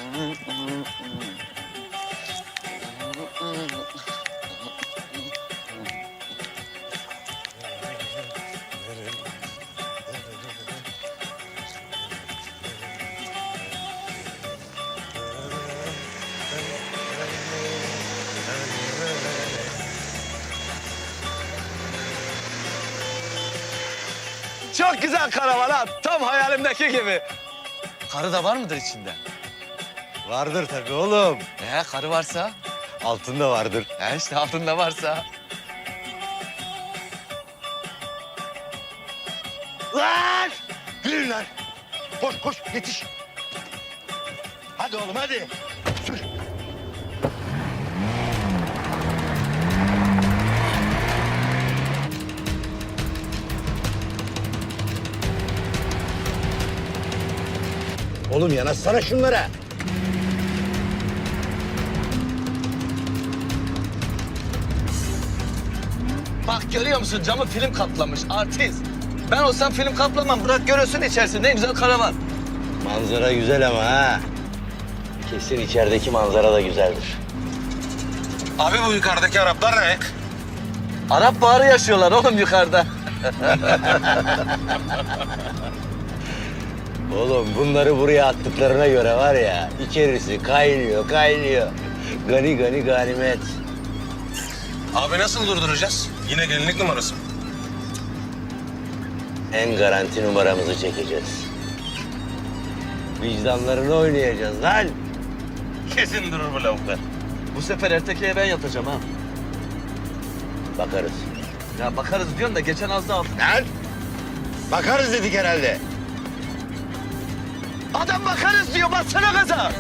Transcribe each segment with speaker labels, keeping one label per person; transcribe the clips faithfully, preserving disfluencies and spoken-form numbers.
Speaker 1: Çok güzel karavan ha. Tam hayalimdeki gibi. Karı da var mıdır içinde?
Speaker 2: Vardır tabii oğlum.
Speaker 1: Ee, karı varsa?
Speaker 2: Altında vardır.
Speaker 1: He işte altında varsa.
Speaker 2: Lan! Yürü lan! Koş koş yetiş. Hadi oğlum hadi. Sür. Oğlum yanaşsana şunlara.
Speaker 1: Bak görüyor musun camı film kaplamış artist. Ben olsam film kaplamam. Bırak görürsün içerisinde ne güzel karavan.
Speaker 2: Manzara güzel ama ha. Kesin içerideki manzara da güzeldir.
Speaker 3: Abi bu yukarıdaki Araplar ne?
Speaker 1: Arap baharı yaşıyorlar oğlum yukarıda.
Speaker 2: Oğlum bunları buraya attıklarına göre var ya, içerisi kaynıyor, kaynıyor. Gani gani ganimet.
Speaker 3: Abi nasıl durduracağız? Yine gelinlik numarası mı?
Speaker 2: En garanti numaramızı çekeceğiz. Vicdanlarını oynayacağız lan.
Speaker 3: Kesin durur bu lavuklar.
Speaker 1: Bu sefer erkekliğe ben yatacağım ha.
Speaker 2: Bakarız.
Speaker 1: Ya bakarız diyorsun da geçen az daha aldım.
Speaker 2: Lan! Bakarız dedik herhalde.
Speaker 1: Adam bakarız diyor bassana gaza.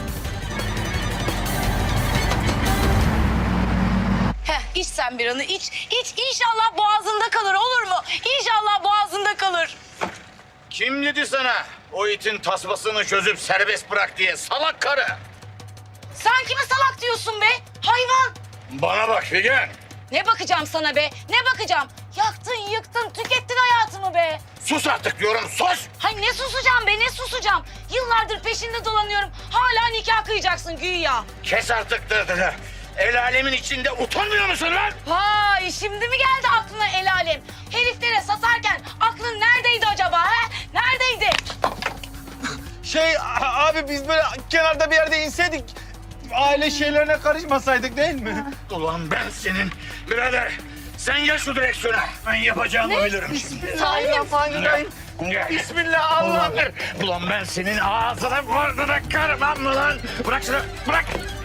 Speaker 4: Heh, iç sen bir anı iç. İç inşallah boğazında kalır olur mu? İnşallah boğazında kalır.
Speaker 5: Kim dedi sana o itin tasmasını çözüp serbest bırak diye salak karı?
Speaker 4: Sen kime salak diyorsun be? Hayvan.
Speaker 5: Bana bak Figen.
Speaker 4: Ne bakacağım sana be? Ne bakacağım? Yaktın, yıktın, tükettin hayatımı be.
Speaker 5: Sus artık diyorum sus.
Speaker 4: Hay ne susacağım be, ne susacağım? Yıllardır peşinde dolanıyorum. Hala nikah kıyacaksın güya.
Speaker 5: Kes artık dırdırı. El alemin içinde utanmıyor musun lan?
Speaker 4: Vay şimdi mi geldi aklına el alem? Heriflere satarken aklın neredeydi acaba he? Neredeydi?
Speaker 1: Şey abi biz böyle kenarda bir yerde inseydik aile şeylerine karışmasaydık değil mi?
Speaker 5: Ulan ben senin birader. Sen gel şu direksiyona. Ben yapacağımı bilirim şimdi.
Speaker 1: Bismillahirrahmanirrahim.
Speaker 5: Gel.
Speaker 1: Bismillah Allah.
Speaker 5: Ulan ben senin ağzına burnuna karmam mı lan? Bırak şunu bırak.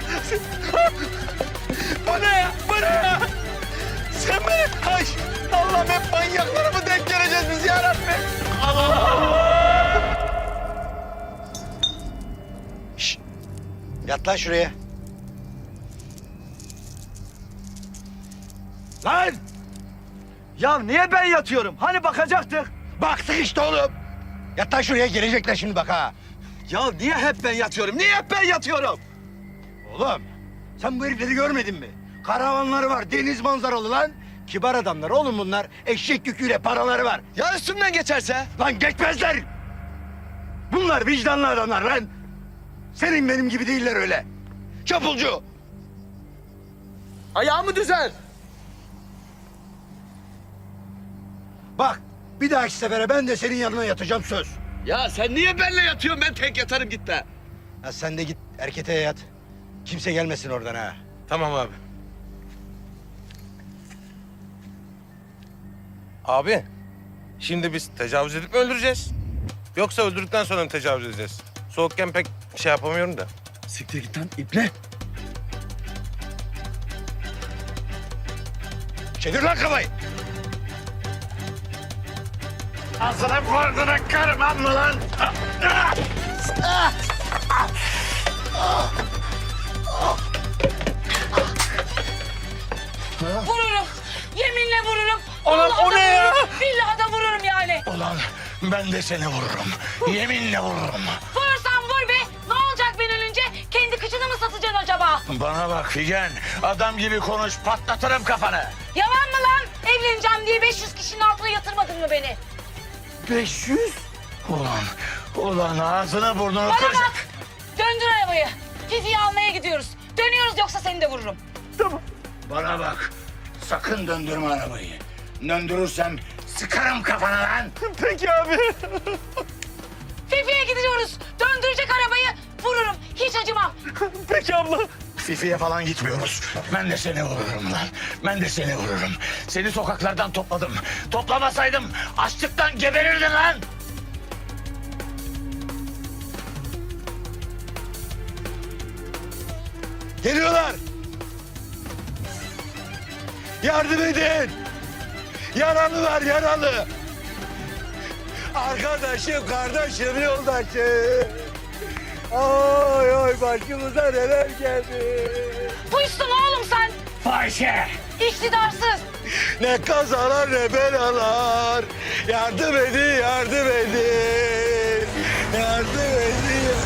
Speaker 1: Bu ne ya? Bu ne ya? Sen beni... Ay Allah'ım hep manyaklara mı denk geleceğiz biz ya Rabbi?
Speaker 2: Şşt! Yat lan şuraya.
Speaker 1: Lan! Ya niye ben yatıyorum? Hani bakacaktık?
Speaker 2: Baktık işte oğlum. Yat lan şuraya, gelecekler şimdi bak ha.
Speaker 1: Ya niye hep ben yatıyorum? Niye hep ben yatıyorum?
Speaker 2: Oğlum sen bu herifleri görmedin mi? Karavanları var, deniz manzaralı lan. Kibar adamlar oğlum bunlar. Eşek yüküyle paraları var.
Speaker 1: Ya üstümden geçerse?
Speaker 2: Lan geçmezler. Bunlar vicdanlı adamlar lan. Senin benim gibi değiller öyle. Çapulcu.
Speaker 1: Ayağımı düzel.
Speaker 2: Bak bir dahaki sefere ben de senin yanına yatacağım söz.
Speaker 1: Ya sen niye benimle yatıyorsun? Ben tek yatarım git be.
Speaker 2: Ya sen de git erkete yat. Kimse gelmesin oradan ha.
Speaker 3: Tamam abi. Abi, şimdi biz tecavüz edip mi öldüreceğiz? Yoksa öldürdükten sonra mı tecavüz edeceğiz? Soğukken pek şey yapamıyorum da.
Speaker 1: Siktir git lan iple.
Speaker 2: Çevir lan kafayı.
Speaker 5: Ağzına burnuna karmam mı lan?
Speaker 4: Vururum. Yeminle vururum.
Speaker 1: Ulan
Speaker 4: Vallahi
Speaker 1: o
Speaker 4: da
Speaker 1: ne ya?
Speaker 4: vururum, billahi da vururum yani.
Speaker 5: Ulan ben de seni vururum. Yeminle vururum.
Speaker 4: Vurursan vur be. Ne olacak ben ölünce? Kendi kıçını mı satacaksın acaba?
Speaker 5: Bana bak Figen. Adam gibi konuş patlatırım kafanı.
Speaker 4: Yalan mı lan? Evleneceğim diye beş yüz kişinin altına yatırmadın mı beni?
Speaker 5: beş yüz? Ulan, ulan ağzına burnunu
Speaker 4: Bana
Speaker 5: kıracak.
Speaker 4: bak. Döndür arabayı. Fifi'yi almaya gidiyoruz. Dönüyoruz yoksa seni de vururum.
Speaker 5: Bana bak. Sakın döndürme arabayı. Döndürürsem sıkarım kafana lan.
Speaker 1: Peki abi.
Speaker 4: Fifi'ye gidiyoruz. Döndürecek arabayı vururum. Hiç acımam.
Speaker 1: Peki abla.
Speaker 5: Fifi'ye falan gitmiyoruz. Ben de seni vururum lan. Ben de seni vururum. Seni sokaklardan topladım. Toplamasaydım açlıktan geberirdin lan.
Speaker 2: Geliyorlar. Yardım edin. Yaralılar yaralı. Arkadaşım, kardeşim, yoldaşım. Oy oy başımıza neler geldi.
Speaker 4: Buysun oğlum sen.
Speaker 5: Fahişe.
Speaker 4: İktidarsız.
Speaker 2: Ne kazalar ne belalar. Yardım edin, yardım edin. Yardım edin.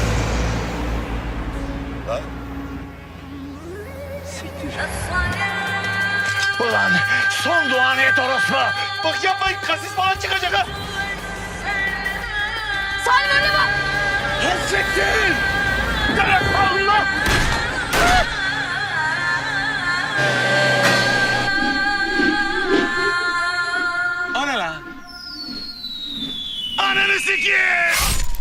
Speaker 2: Lan. Siktir.
Speaker 5: Ulan son duanı et orospu.
Speaker 1: Bak yapmayın kasis falan çıkacak ha.
Speaker 4: Salim önüne bak.
Speaker 5: Siktir. Allah.
Speaker 3: O ne lan?
Speaker 5: Ananı sikeyim.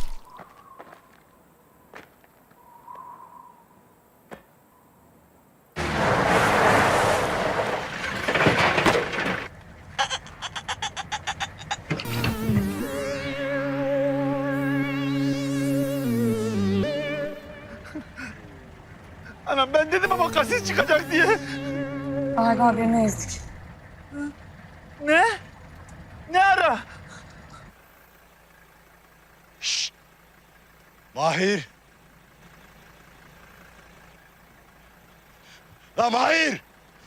Speaker 1: Anam ben dedim ama kasis çıkacak diye.
Speaker 4: Galiba birini ezdik.
Speaker 1: Ne? Ne ara?
Speaker 2: Mahir. La Mahir.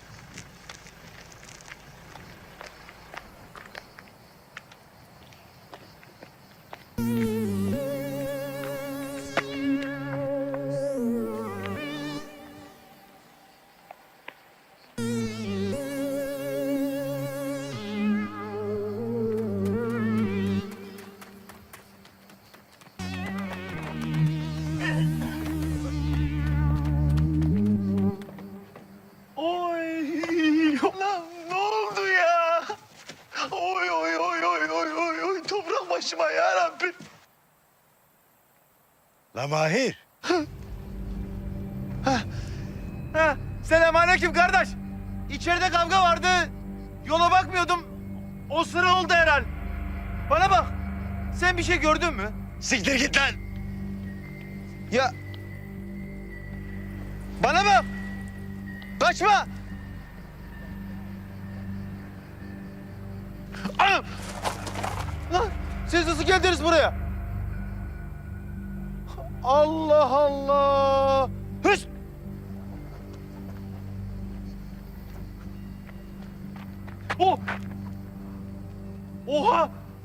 Speaker 1: Oy. Lan ne oldu ya? Oy oy oy oy oy oy oy. Toprak başıma ya Rabbi.
Speaker 2: La Mahir.
Speaker 1: Ha, selamünaleyküm kardeş. İçeride kavga vardı. Yola bakmıyordum. O sıra oldu herhal. Bana bak. Sen bir şey gördün mü?
Speaker 2: Siktir git lan.
Speaker 1: Ya. Bana bak. Kaçma. Anam. Lan siz nasıl geldiniz buraya? Allah Allah. Hış. Oh. Oha.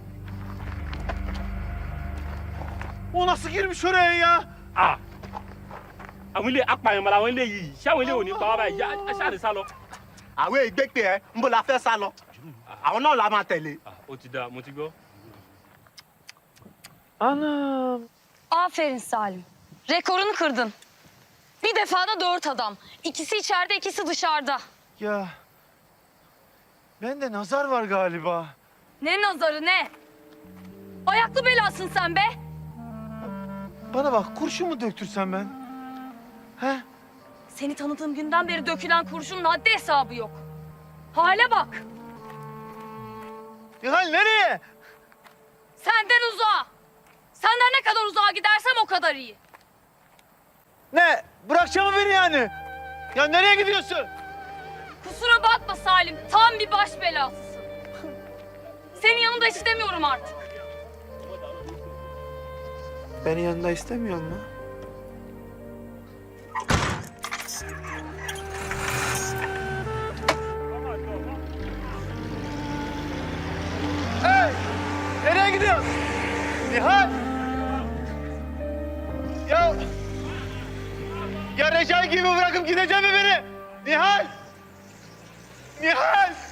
Speaker 1: O nasıl girmiş oraya ya?
Speaker 6: Ah àwọn ilé apààyàn làwọn ilé yìí ṣé àwọn ilé ò ní pa wá báyìí yá aṣáàlì sá lọ.
Speaker 7: àwọn ìgbẹ́pẹ́ ẹ ń bọ̀ la fẹ́ sá lọ àwọn náà la máa tẹ̀lé.
Speaker 6: ó ti dáa mo ti gbọ́.
Speaker 1: Anam.
Speaker 8: Aferin Salim. Rekorunu kırdın. Bir defada dört adam. İkisi içeride, ikisi dışarıda.
Speaker 1: Ya. Bende nazar var galiba.
Speaker 8: Ne nazarı ne? Ayaklı belasın sen be.
Speaker 1: Bana bak kurşun mu döktürsem ben? He?
Speaker 8: Seni tanıdığım günden beri dökülen kurşunun haddi hesabı yok. Hale bak.
Speaker 1: Nihal nereye?
Speaker 8: Senden uzağa. Senden ne kadar uzağa gidersem o kadar iyi.
Speaker 1: Ne? Bırakacağım mı beni yani? Ya nereye gidiyorsun?
Speaker 8: Kusura bakma Salim. Tam bir baş belasısın. Senin yanında istemiyorum artık.
Speaker 1: Beni yanında istemiyor mu? Hey! Nereye gidiyorsun? Nihal! Ya... Ya Recai gibi bırakıp gidecek mi beni? Nihal! Nihal!